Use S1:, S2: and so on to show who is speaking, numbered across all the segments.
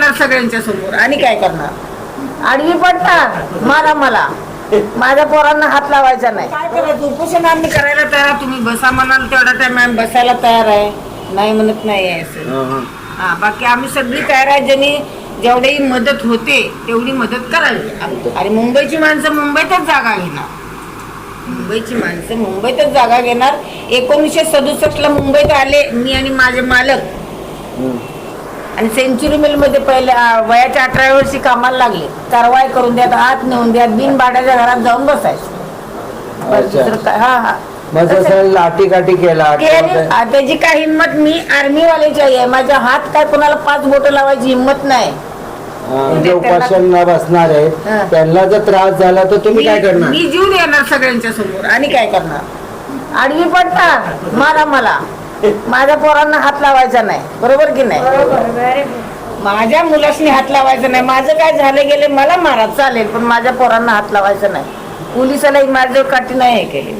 S1: येणार सगळ्यांच्या समोर आणि काय करणार? आडवी पडणार, मारा मला. माझ्या पोरांना हात लावायचा नाही. काय करायचं? उपोषण आम्ही करायला तयार. तुम्ही बसा म्हणाल तेवढा टाइम आम्ही बसायला तयार आहे, नाही म्हणत नाही आहे असं. हा, बाकी आम्ही सगळी तयार आहे. ज्यांनी जेवढी मदत होते तेवढी मदत करावी. आणि मुंबईची माणसं मुंबईतच जागा घेणार. मुंबईची माणसं मुंबईतच जागा घेणार. 1967ला मुंबईत आले मी आणि माझे मालक, आणि सेंचुरी मिल मध्ये पहिल्या वयाच्या 18व्या वर्षी कामाला लागले. कारवाई करून द्यात, आत नेऊन द्यात, बिन भाड्याच्या घरात जाऊन बसायचं. हा
S2: लाठी काठी केला.
S1: त्याची काय हिंमत? मी आर्मीवाल्याची आहे. माझ्या हात काय कोणाला 5 बोट लावायची हिंमत नाही.
S2: जे उपासना बसणार आहे त्यांना जर त्रास झाला तर तुम्ही काय करणार?
S1: मी जीव देणार सगळ्यांच्या समोर आणि काय करणार? आडवी पडणार, मारा मला. माझ्या पोरांना हात लावायचा नाही, बरोबर की नाही? माझ्या मुलासनी हात लावायचा नाही. माझं काय झालं गेले मला मारा चालेल, पण माझ्या पोरांना हात लावायचा नाही. पोलिसाला माझ्यावर काठी नाही हे केली.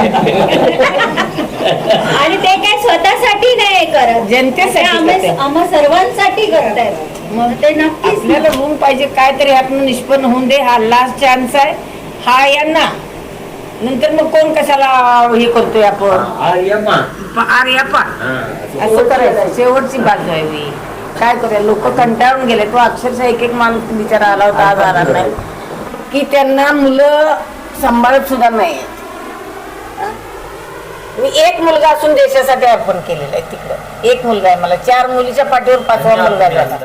S3: आणि ते काय स्वतःसाठी नाही करत,
S1: जनतेसाठी,
S3: आम्हा सर्वांसाठी करतायत.
S1: मग ते नक्कीच आपल्याला होऊन पाहिजे. काहीतरी ह्यातून निष्पन्न होऊन दे. हा लास्ट चान्स आहे हा यांना. नंतर मग कोण कशाला हे करतोय आपण आर्यपा असं करायचं. शेवटची बाजू आहे मी काय करूया. लोक कंटाळून गेले. तो अक्षरशः एक माणूस बिचारा आला होता, आज आला नाही, की त्यांना मुलं सांभाळत सुद्धा नाही. मी एक मुलगा असून देशासाठी अर्पण केलेला आहे. तिकडं एक मुलगा आहे मला. 4 मुलीच्या पाठीवर 5वा मुलगा झाला.